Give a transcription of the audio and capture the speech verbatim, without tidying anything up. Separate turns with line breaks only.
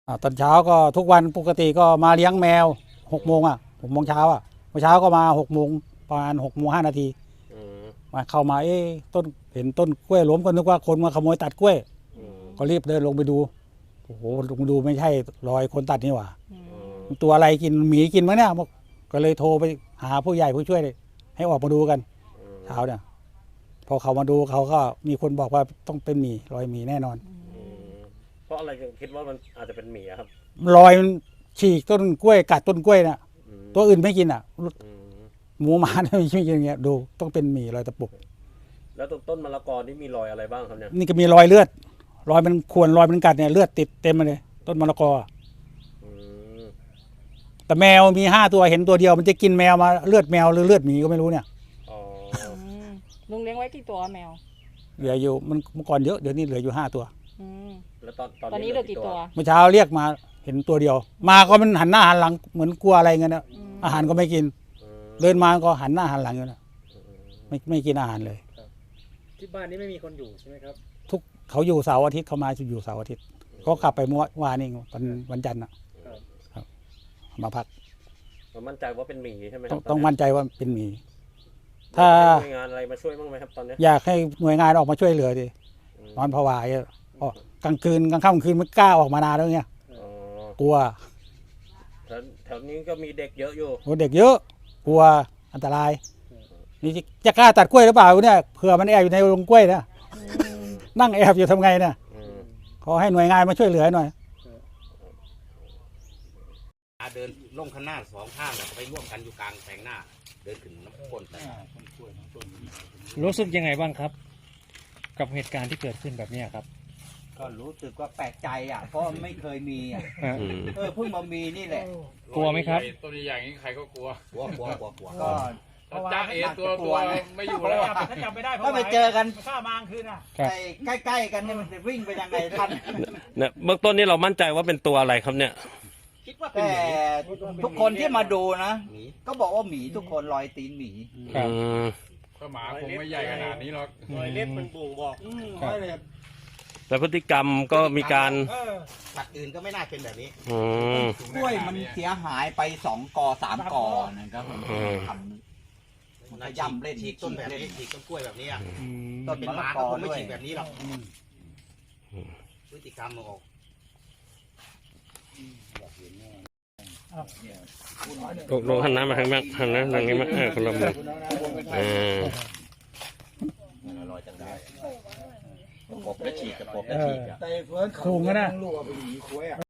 อ่าตอนเช้าก็ทุกวันปกติก็มาเลี้ยงแมวหกโมงอ่ะหกโมงเช้าอ่ะเมื่อเช้าก็มาหกโมงประมาณหกโมงห้านาทีมาเข้ามาเอ๊ะต้นเห็นต้นกล้วยล้มก็นึกว่าคนมาขโมยตัดกล้วยก็รีบเดินลงไปดูโอ้โหลงไปดูไม่ใช่รอยคนตัดนี่หว่าตัวอะไรกินหมีกินมั้งเนี่ยก็เลยโทรไปหาผู้ใหญ่ผู้ช่วยให้ออกมาดูกันเช้าเนี่ยพอเขามาดูเขาก็มีคนบอกว่าต้องเป็นหมีรอยหมีแน่นอน
เพราะอะไรคิดว่ามันอาจจะเป็นหมีครับ
รอยมันฉีกต้นกล้วยกัดต้นกล้วยน่ะตัวอื่นไม่กินอ่ะหมูหมาไม่กินอย่างเงี้ยดูต้องเป็นหมีรอยตะปุก
แล้วต้นมะละกอนี่มีรอยอะไรบ้างครับเนี่ย
นี่ก็มีรอยเลือดรอยมันข่วนรอยมันกัดเนี่ยเลือดติดเต็มมาเลยต้นมะละกอแต่แมวมีห้าตัวเห็นตัวเดียวมันจะกินแมวมาเลือดแมวหรือเลือดหมีก็ไม่รู้เนี่ย
ลุงเลี้ยงไว้กี่ตัวแมว
เหลืออยู่มันเมื่อก่อนเยอะเดี๋ยวนี้เหลืออยู่ห้าตัว
แล้วตอน
ตอนนี้เหลือกี่ตัว
เมื่อเช้าเรียกมาเห็นตัวเดียวมาก็มันหันหน้าหันหลังเหมือนกลัวอะไรเงี้ยนะอาหารก็ไม่กินเดินมาก็หันหน้าหันหลังอยู่นะไม่ไม่กินอาหารเลย
ที่บ้านนี้ไม่มีคนอยู่ใช่ไหมครับ
ทุกเขาอยู่เสาร์อาทิตย์เขามาอยู่เสาร์อาทิตย์ก็กลับไปเมื่อวานนี้วันวันจันทร์นะครับมาพัก
มั่นใจว่าเป็นหมีใช่ไหม
ต้องต้องมั่นใจว่าเป็นหมีถ้า
หน่วยงานอะไรมาช่วยบ้างไหมครับตอนนี้
อยากให้หน่วยงานออกมาช่วยเหลือดินอนผวาอ๋อกลางคืนกลางค่ำกลางคืนไม่กล้าออกมานานแล้วเนี่ยกลัว
แถวนี้ก็มีเด็กเยอะอยู่
โอ้เด็กเยอะกลัวอันตรายนี่จะกล้าตัดกล้วยหรือเปล่าเนี่ยเผื่อมันแอบอยู่ในโรงกล้วยนะนั่งแอบอยู่ทำไงเนี่ยขอให้หน่วยงานมาช่วยเหลือหน่อย
เดินลงข้างหน้าสองข้างไปร่วมกันอยู่กลางแปลงหน้าเดินขึ้นน้ำก้น
รู้สึกยังไงบ้างครับกับเหตุการณ์ที่เกิดขึ้นแบบนี้ครับ
ก็รู้สึกว่าแปลกใจอ่ะเพราะไม่เคยมีอ่ะเออเพิ่งมามีนี่แหละ
กลัวไหมครับ
ตัวใหญ่อย่างนี้ใครก็กลัว
กลัวกลัวกลัวกลัว
ก็จ้าเอตัวตัวไม่อยู่แล้ว
ถ้าจับไม่ได้
ก็ไปเจอกัน
ข้ามางคืนอ่ะ
ใกล้ๆกันเนี่ยมันจะวิ่งไปยังไงทัน
เนี่ยเบื้องต้นนี่เรามั่นใจว่าเป็นตัวอะไรครับเนี่ย
แต่ทุกคนที่มาดูนะก็บอกว่าหมีทุกคนรอยตีนหมี
ก็หมาคงไม่ใหญ่ขนาดนี้หรอก
รอยเล็บมันบ่งบอก
แต่พฤติกรรมก็มีการ
สัตว์อื่นก็ไม่น่าเป็นแบบนี้
กล้วยมันเสียหายไปสองกอสามกอนะครับผมทำมันย่ำเล่น
ฉีกต้นแบบนี้ฉีกต้นกล้วยแบบนี้
ต้นเป็นหมาก็คงไม่ฉีกแบบนี้หรอกพฤติกรรมมันออก
ตกลงหันน้ำมาทางนั้นหันน้ำทางนี้มาเออคนละมืออ่า
ลอยจากได้กบก็ฉีกกระปบก็ฉีกอ่ะ
สูงนะ